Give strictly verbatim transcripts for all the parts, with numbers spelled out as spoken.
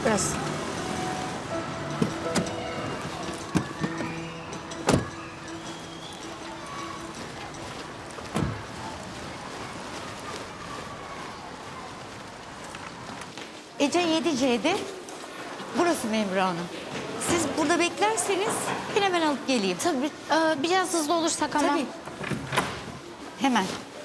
Burası. Ece yedi C'de. Burası Memra Hanım. Siz burada beklerseniz ben hemen alıp geleyim. Tabii e, biraz hızlı olursak ama. Tabii. Hemen.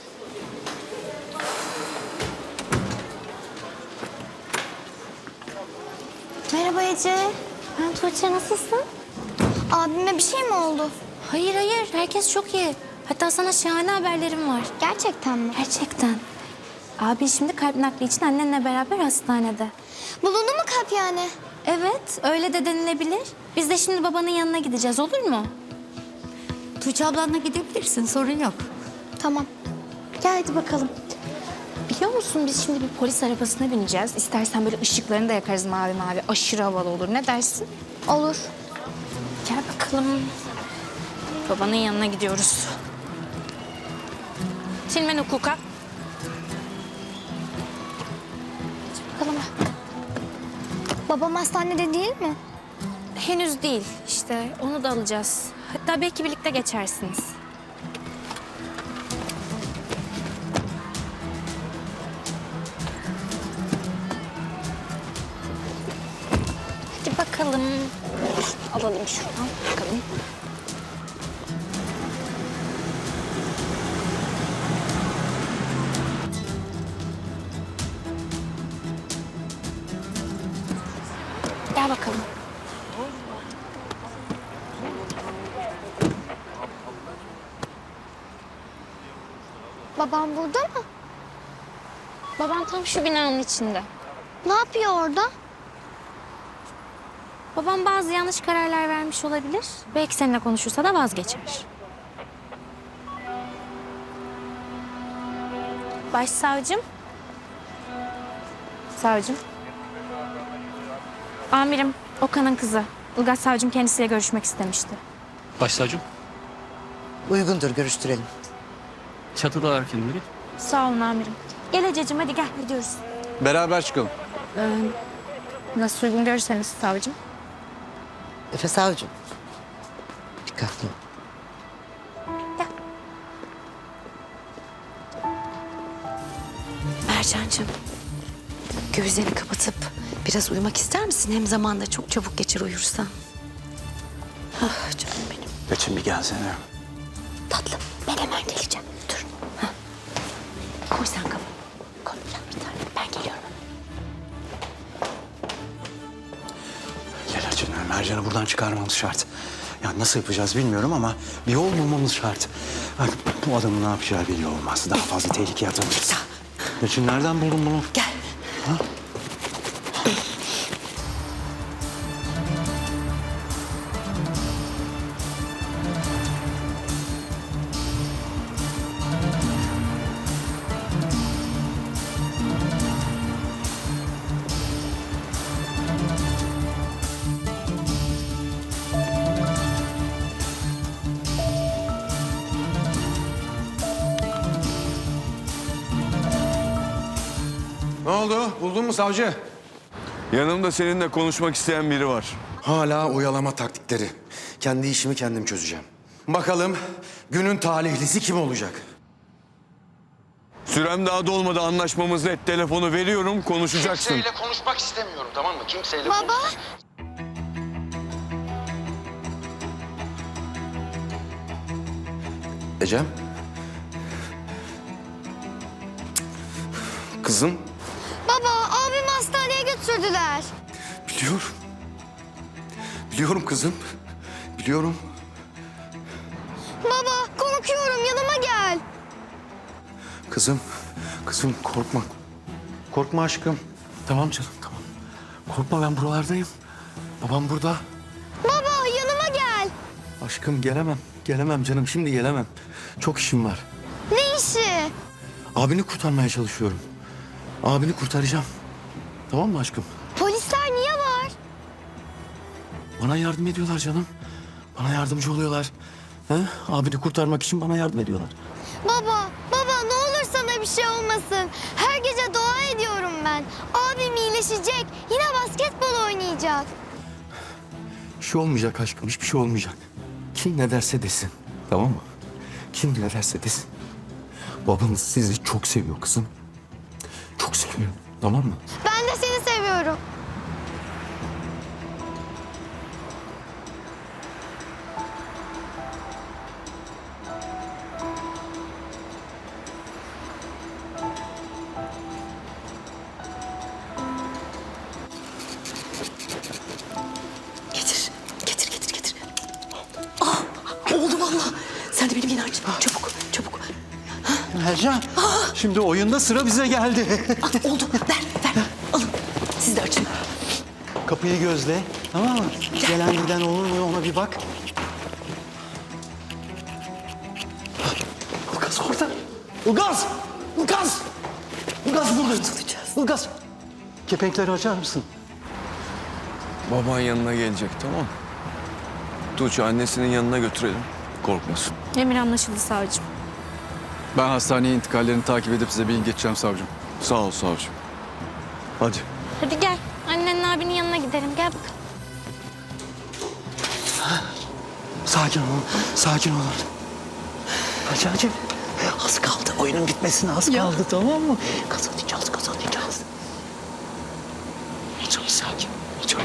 Merhaba Ece. Ben Tuğçe, nasılsın? Abime bir şey mi oldu? Hayır hayır, herkes çok iyi. Hatta sana şahane haberlerim var. Gerçekten mi? Gerçekten. Abi şimdi kalp nakli için annenle beraber hastanede. Bulundu mu kalp yani? Evet, öyle de denilebilir. Biz de şimdi babanın yanına gideceğiz, olur mu? Tuğçe ablanla gidebilirsin, sorun yok. Tamam. Gel hadi bakalım. Biliyor musun, biz şimdi bir polis arabasına bineceğiz. İstersen böyle ışıklarını da yakarız mavi mavi. Aşırı havalı olur. Ne dersin? Olur. Gel bakalım. Babanın yanına gidiyoruz. Silmen hukuka. Bakalım. Babam hastanede değil mi? Henüz değil. İşte onu da alacağız. Hatta belki birlikte geçersiniz. Hadi bakalım. Alalım şuradan. Bakalım. Gel bakalım. Babam burada mı? Baban tam şu binanın içinde. Ne yapıyor orada? Babam bazı yanlış kararlar vermiş olabilir. Belki seninle konuşursa da vazgeçer. Başsavcım. Savcım. Amirim, Okan'ın kızı. Ilgaz savcım kendisiyle görüşmek istemişti. Başsavcım, Uygundur, görüştürelim. çatıdalar kimleri? Sağ olun amirim. Gel Ececiğim, hadi gel gidiyoruz. Beraber çıkalım. Nasıl uygun görürseniz savcım. Efe savcım. Dikkatli ol. Mercan'cığım, gözlerini kapatıp biraz uyumak ister misin? Hem zaman da çok çabuk geçer uyursan. Ah canım benim. Geçin bir gelsene. Tatlım, ben hemen geleceğim. Dur. Hah. Koy sen kafanı. Koy gel bir tane. Ben geliyorum. Gel Acun, Mercan'ı buradan çıkarmamız şart. Ya nasıl yapacağız bilmiyorum ama bir yol bulmamız şart. Bak, bu adamın ne yapacağı belli olmaz. Daha fazla tehlikeye atamayız. Acun, nereden buldun bunu? Gel. Ha? Ne oldu? Buldun mu savcı? Yanımda seninle konuşmak isteyen biri var. Hala oyalama taktikleri. Kendi işimi kendim çözeceğim. Bakalım günün talihlisi kim olacak? Sürem daha dolmadı, anlaşmamız net. Telefonu veriyorum, konuşacaksın. Kimseyle konuşmak istemiyorum, tamam mı? Kimseyle Baba. konuşmak... Ecem. Kızım. Baba, abimi hastaneye götürdüler. Biliyorum. Biliyorum kızım. Biliyorum. Baba, korkuyorum. Yanıma gel. Kızım. Kızım korkma. Korkma aşkım. Tamam canım, tamam. Korkma, ben buralardayım. Babam burada. Baba, yanıma gel. Aşkım gelemem. Gelemem canım, şimdi gelemem. Çok işim var. Ne işi? Abini kurtarmaya çalışıyorum. Abini kurtaracağım. Tamam mı aşkım? Polisler niye var? Bana yardım ediyorlar canım. Bana yardımcı oluyorlar. He? Abini kurtarmak için bana yardım ediyorlar. Baba, baba ne olur sana bir şey olmasın. Her gece dua ediyorum ben. Abim iyileşecek. Yine basketbol olacak? Bir şey olmayacak aşkım, hiçbir şey olmayacak. Kim ne derse desin, tamam mı? Kim ne derse desin. Babanız sizi çok seviyor kızım. Çok seviyor, tamam mı? Ben de seni seviyorum. Getir, getir, getir, getir. Ah, oldu vallahi. Sen de benim yeni aç. Çabuk, çabuk. Mercan, şimdi oyunda sıra bize geldi. Ah, oldu, ver, ver. Alın, siz de açın. Kapıyı gözle, tamam mı? Gelen giden olur mu ona bir bak. Ilgaz orada. Ilgaz! Ilgaz! Ilgaz burada. Ilgaz! Kepenkleri açar mısın? Baban yanına gelecek, tamam. Tuğçe annesinin yanına götürelim. Korkmasın. Emir anlaşıldı savcım. Ben hastaneye intikallerini takip edip size bilgi geçeceğim savcım. Sağ ol savcım. Hadi. Hadi gel. Annenin abinin yanına gidelim. Gel bakalım. Sakin olun, sakin olun. Hacıcığım, az kaldı. Oyunun bitmesine az kaldı, tamam mı? Kazanacağız, kazanacağız. Çok sakin, çok.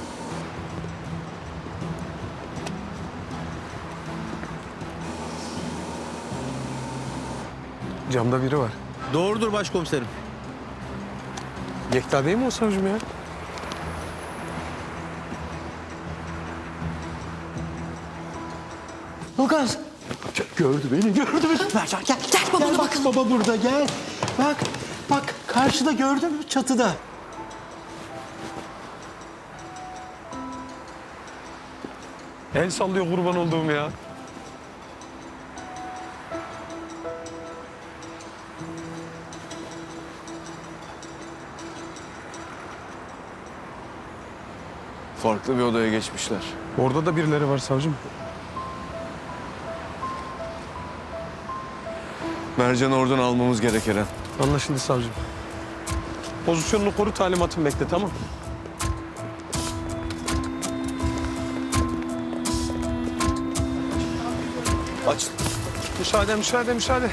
Camda biri var. Doğrudur başkomiserim. Yekta değil mi o savcım ya? Ilgaz! Gördü beni, gördü beni. Mercan gel. Gel babana Gel bak, bakalım. baba burada, gel. Bak, bak karşıda gördün mü çatıda? El sallıyor kurban olduğum ya. Farklı bir odaya geçmişler. Orada da birileri var savcım. Mercan'ı oradan almamız gerek Eren. Anlaşıldı savcım. Pozisyonunu koru, talimatımı bekle, tamam. Aç. Müsaade, müsaade, müsaade.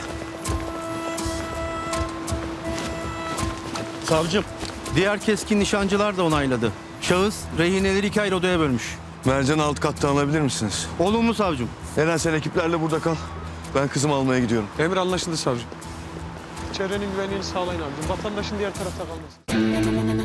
Savcım, diğer keskin nişancılar da onayladı. Şahıs rehineleri iki ayrı odaya bölmüş. Mercan'ı alt kattan alabilir misiniz? Olumlu savcım. Eren sen ekiplerle burada kal. Ben kızımı almaya gidiyorum. Emir anlaşıldı savcım. Çevrenin güvenliğini sağlayın abicim. Vatandaşın diğer tarafta kalmasın.